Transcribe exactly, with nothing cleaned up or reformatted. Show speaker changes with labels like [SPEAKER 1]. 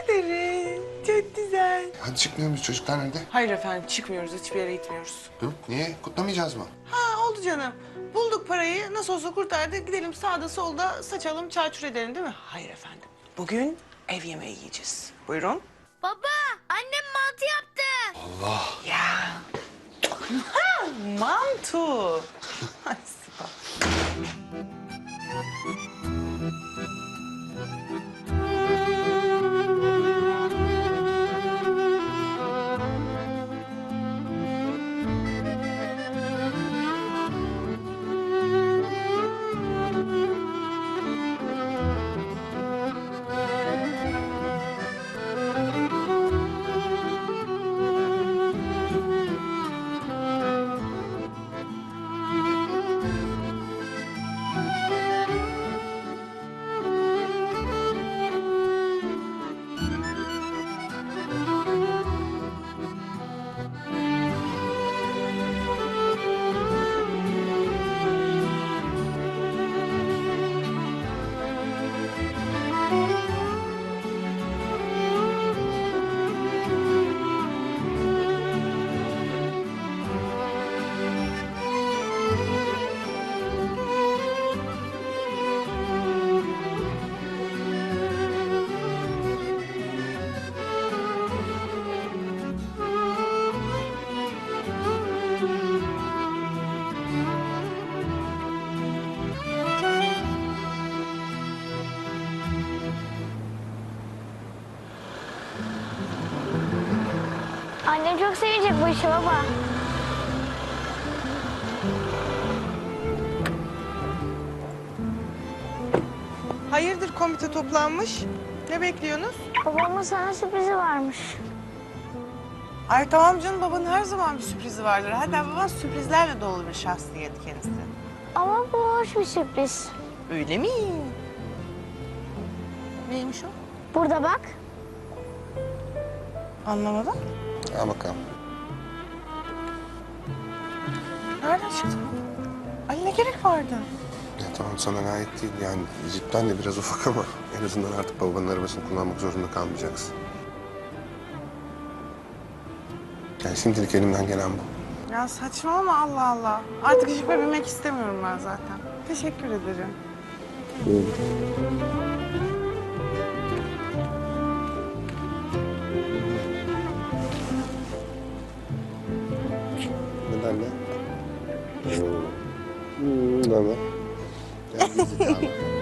[SPEAKER 1] ederim. Çok güzel.
[SPEAKER 2] Hadi çıkmıyor muyuz? Çocuklar nerede?
[SPEAKER 1] Hayır efendim çıkmıyoruz. Hiçbir yere gitmiyoruz.
[SPEAKER 2] Hı? Niye? Kutlamayacağız mı?
[SPEAKER 1] Ha oldu canım. Bulduk parayı. Nasıl olsa kurtardık. Gidelim sağda solda saçalım, çarçur edelim değil mi? Hayır efendim. Bugün ev yemeği yiyeceğiz. Buyurun.
[SPEAKER 3] Baba, annem mantı yaptı.
[SPEAKER 2] Allah.
[SPEAKER 1] Ya. Ha, mantu. Ay, süper.
[SPEAKER 3] Annem çok sevecek bu işi baba.
[SPEAKER 1] Hayırdır komite toplanmış? Ne bekliyorsunuz?
[SPEAKER 3] Babamın sana sürprizi varmış.
[SPEAKER 1] Ay tamam canım, babanın her zaman bir sürprizi vardır. Hatta baban sürprizlerle dolu bir şahsiyet kendisi.
[SPEAKER 3] Ama bu hoş bir sürpriz.
[SPEAKER 1] Öyle mi? Neymiş o?
[SPEAKER 3] Burada bak.
[SPEAKER 1] Anlamadım.
[SPEAKER 2] Al bakalım.
[SPEAKER 1] Nereden çıktı bu? Ay ne gerek vardı?
[SPEAKER 2] Ya tamam sana ait değil. Yani cidden de biraz ufak ama en azından artık babanın arabasını kullanmak zorunda kalmayacaksın. Yani şimdilik elimden gelen bu.
[SPEAKER 1] Ya saçmalama Allah Allah. Artık jipe binmek istemiyorum ben zaten. Teşekkür ederim.
[SPEAKER 2] Neden ne? Hmm, ne haber? Gel bizi de al.